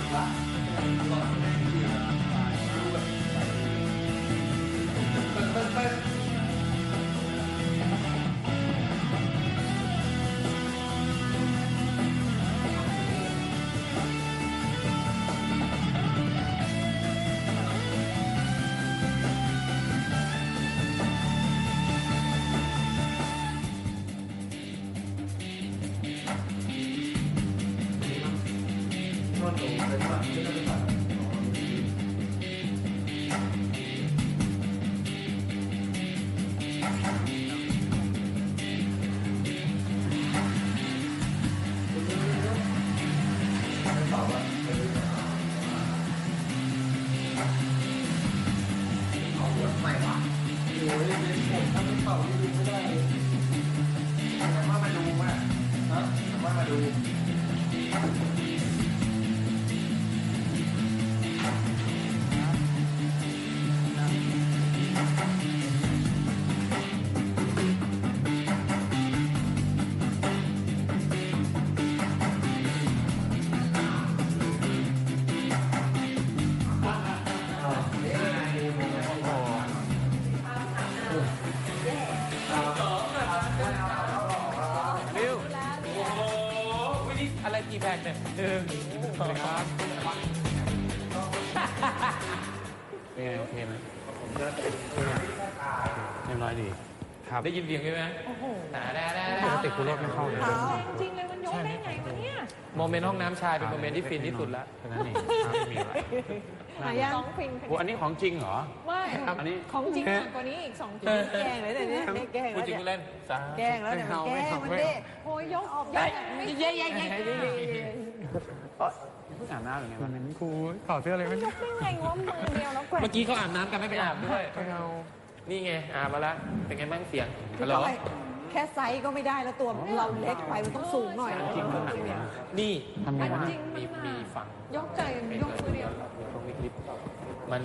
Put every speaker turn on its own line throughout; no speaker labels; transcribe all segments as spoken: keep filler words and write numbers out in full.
กี่แพ็คเนี่ยหนึ่งสองครับเป็นไงโอเคไหมเรียบร้อยดีครับได้ยินเสียงใช่ไหมโอ้โหแต่ได้ได้ปกติคุณรถไม่เข้าเลย
จริงเลยมันยกได้ไงวะเนี่ย
โมเมนต์ห้องน้ำชายเป็นโมเมนต์ที่ฟินที่สุดแล้วแค่นั้นเองไม่มีอะไร
หายังฟิน
อันนี้ของจริงเหรอ
ไม่อันนี้ของจริงมากกว่านี้อีกสองชิ้นแกงเลยแต่เนี้ยแกงแล้ว
จริงเล่น
แกงแล้วเนี่ยแกงมันเด้โอ้ยยกออกได้ไม่เย้เย้เย้
เพิ่งอาบน้ำหรือไงวันนั้นครูถอดเสื้อเลย
ไม่ยกได้ไงวะมือเดียวแล้วแกว่ง
เมื่อกี้เขาอาบน้ำกันไม่ไปอาบด้วยนี่ไงอาบมาแล้วเป็นไงบ้างเสียงฮัลโหล
แค่ไซส์ก็ไม่ได้แล้วตัวเราเล็กไปมันต้องสูงหน่อย
จริงมันหนักนี่ทำไงวะมีมีฟัง
ยกใจยกมือเดียว
ตรงนี้คลิปมัน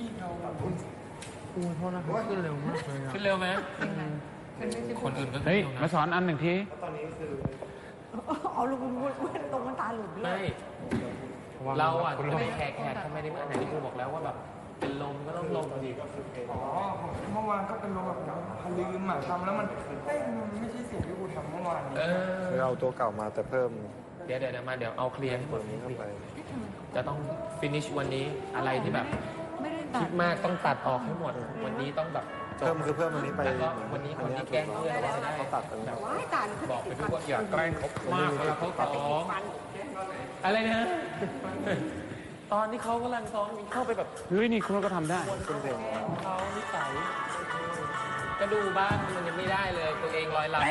คุณโทษนะครับขึ้นเร็วมากเลย
ขึ้นเร็วไหมคนอื่นก็
เฮ้ยมาสอนอันหนึ่งที
ตอนนี้คือเอาลูกมันตรงมันตาหลุด
ไม่เราอ่ะไม่แขกแขกทำไมได้เมื่อไหร่ที่ครูบอกแล้วว่าแบบเป็นลมก็ต้องลมดี
อ๋อเมื่อวานก็เป็นลมแบบพลืมหมาทำแล้วมันเฮ้ยมันไม่ใช่สิ่งที่กูทำเมื่อวานนี้
คือเอาตัวเก่ามาแต่เพิ่ม
เดี๋ยวเดี๋ยวมาเดี๋ยวเอาเคลียร์ให้หมดนี้เข้าไปจะต้องฟินิชวันนี้อะไรที่แบบคิดมากต้องตัดออกให้หมดวันนี้ต้องแบบ
เพิ่มคือเพิ่มวันนี้ไป
แล้วก็วันนี้คนที่แกล้งเพื่อนจะได้
เขาตัดกันแบบ
บอกไปด้วยว่าอย่าแกล้งเขามากเวลาเขาซ้อมอะไรนะตอนที่เขากำลังซ้อมเข้าไปแบบ
เฮ้ยนี่คุณก็ทำได้
คุณเพลงเขานิสัยก็ดูบ้านมันยังไม่ได้เลยตัวเองลอยลำ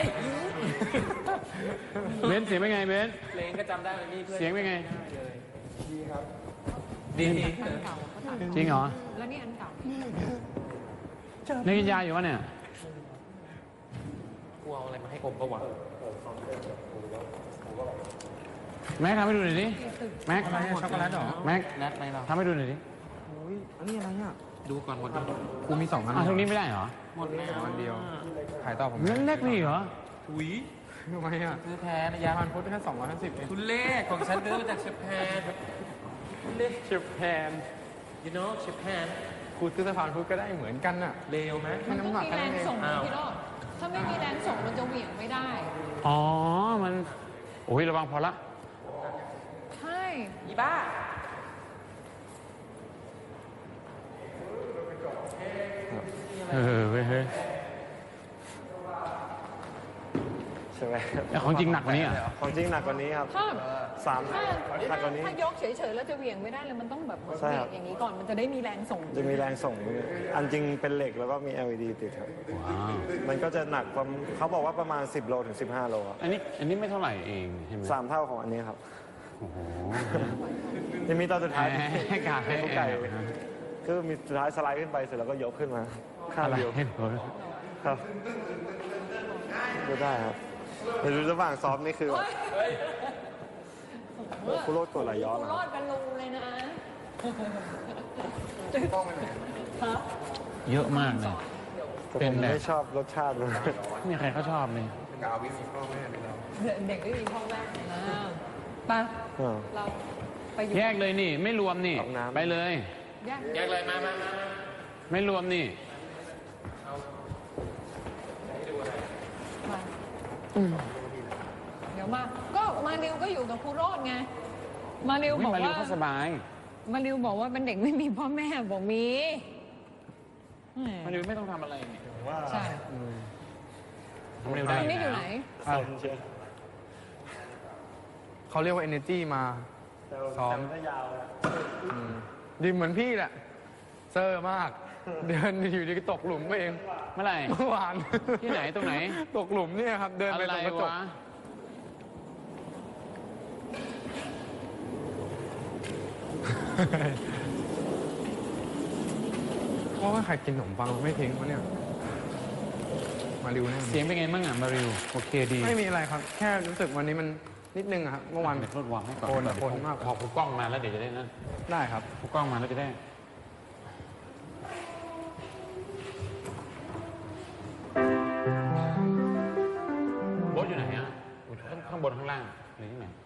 เบนเสียงเป็นไงเบน
เพลงก็จำได้เลยนี่เพื่อน
เสียงเป็นไง
ดีครับ
ดี
จริงเหรอ
แล้วนี่อันเก่า
นี่กินยาอยู่วะเนี่ย
กลัวอะไรมาให้อมก็หวัง
แม็กทำให้ดูหน่อยดิแม็ก
ช็อกโกแลตเหรอ
แม็ก
แนทไม่เรา
ทำให้ดูหน่อยดิ
โอ้ยอันนี้อะไรอ่ะ
ดูก่อนหมด
กูมีสองอันอ่ะตรงนี้ไม่ได้เหรอ
หมดแล้ว
อันเดียวขายต่อผม
เล่นเล็กนี่เหรอ
ถุย
ทำไมอ่ะ
ซื้อแพ้นะยา
พันพุทธแค่สองร้อยห้าสิบเอง
คุณเล่ของฉันซื้อมาจากเชฟแพน
เล่เชฟแพน
you know เชฟแพน
ครูซื้อสะพานพุทธก็ได้เหมือนกันน่ะ
เลวไหม
มันต้องมีแรงส่งพี่โรจน์ถ้าไม่มีแรงส่งมันจะเหวี่ยงไม่ได้
อ๋อมันโอ้ยระวังพอละ
ใช่
อีบ้า
เออเว้ยเฮ้ย
ใช่ไหม
ของจริงหนักกว่านี้อ่ะ
ของจริงหนักกว่านี้ครับสามหนักกว่านี้
ถ้ายกเฉยๆแล้วจะเหวี่ยงไม่ได้เลยมันต้องแบบเบรกอย่างนี้ก่อนมันจะได้มีแรงส่ง
จะมีแรงส่งอันจริงเป็นเหล็กแล้วก็มี แอล อี ดี ติดครับมันก็จะหนักความเขาบอกว่าประมาณสิบโลถึงสิบห้าโลครับ
อันนี้อันนี้ไม่เท่าไหร่เองใช่ไหม
สามเท่าของอันนี้ครับ
โอ้โห
จะมีตอนสุดท้าย
ให้กาให้
ไก่คือมีสุดท้ายสไลด์ขึ้นไปเสร็จแล้วก็ยกขึ้นมาข้างเดียวครับก็ได้ครับในระหว่างซ้อมนี่คือคุณโรดกดไหลย้อน
คุณโรดกันลุงเลยนะ
เยอะมากเลย
เป็นไม่ชอบรสชาติเลย
นี่ใครเขาชอบเลย
กาววิมีพ่อแม่ไปแล้ว
เด็กไม่มีพ่อแม่นะป่ะเราไปอยู่
แยกเลยนี่ ไม่รวมนี่
เอาน้ำ
ไปเลย
แยก
แยกเลยมามามามา
ไม่รวมนี่
มาเดี๋ยวมา ก็มาริวก็อยู่กับครูโรดไง มาริว
ไม่
บอก
มาริว
ว่า
เขาสบาย
มาริวบอกว่าเป็นเด็กไม่มีพ่อแม่บอกมีแหม
มาริวไม่ต้องทำอะไรนี่
ว่า
ใช่
มาริวได้
ตอนนี้อยู่ไหน
เซนเชียว
เขาเรียกว่า energy มา ซ้อม
แต่นก็ยาวแล้ว
อืมดีเหมือนพี่แหละ เซอร์มาก เดินอยู่ดีก็ตกหลุมไปเอง
เมื่อไหร่
เมื่อวาน
ที่ไหนตรงไหน
ตกหลุมเนี่ยครับ เดิน
อะ
ไป
ไร
ตรงกระจก
วะ
เพราะว่าใครกินขนมปังไม่ทิ้งวะเนี่ย มาริวแน่
เสียงเป็นไงบ้างอ่ะมาริวโอเคดี
ไม่มีอะไรครับ แค่รู้สึกวันนี้มันนิดนึงอะครับ เมื่อวาน
เดี๋ยวทดวางให้ก่อน
โอนอะโอนมาก
พอผู้กล้องมาแล้วเดี๋ยวจะได้นั่น
ได้ครับ
ผู้กล้องมาแล้วจะได้ โบ๊ทอยู่ไหนอ่ะอยู่ข้างข้างบนข้างล่างหรือที่ไหน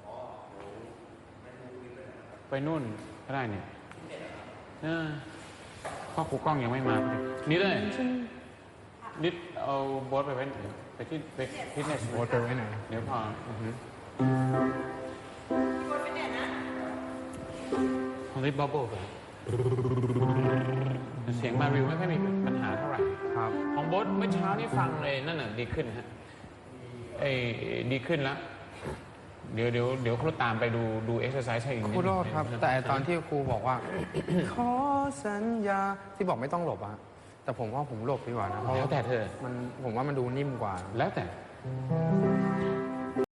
ไปนู่นก็ได้เนี่ยเออพ่อครูกล้องยังไม่มาพอดีนี่เลยนิดเอาโบ๊ทไปไว้ไหนไปที่ไปฟิตเนส
โบ๊ทไปไว้ไหน
เดี๋ยวพออือฮึของลิปบับเบิ้ลไปเสียงมาริวไม่ค่อยมีปัญหาเท่าไหร่
ครับ
ของโบ๊ทเมื่อเช้านี่ฟังเลยนั่นน่ะดีขึ้นฮะเอ้ยดีขึ้นแล้ว เดี๋ยวเดี๋ยวเดี๋ยวครูตามไปดูดูเอ็กซ์ไซส์ให้อีกนิด
ครูโรด
นึง
ครับ แต่ตอนที่ครูบอกว่า ขอสัญญาที่บอกไม่ต้องหลบอะแต่ผมว่าผมหลบดีกว่านะเพราะ
แล้วแต่เธอ
มันผมว่ามันดูนิ่มกว่า
แล้วแต่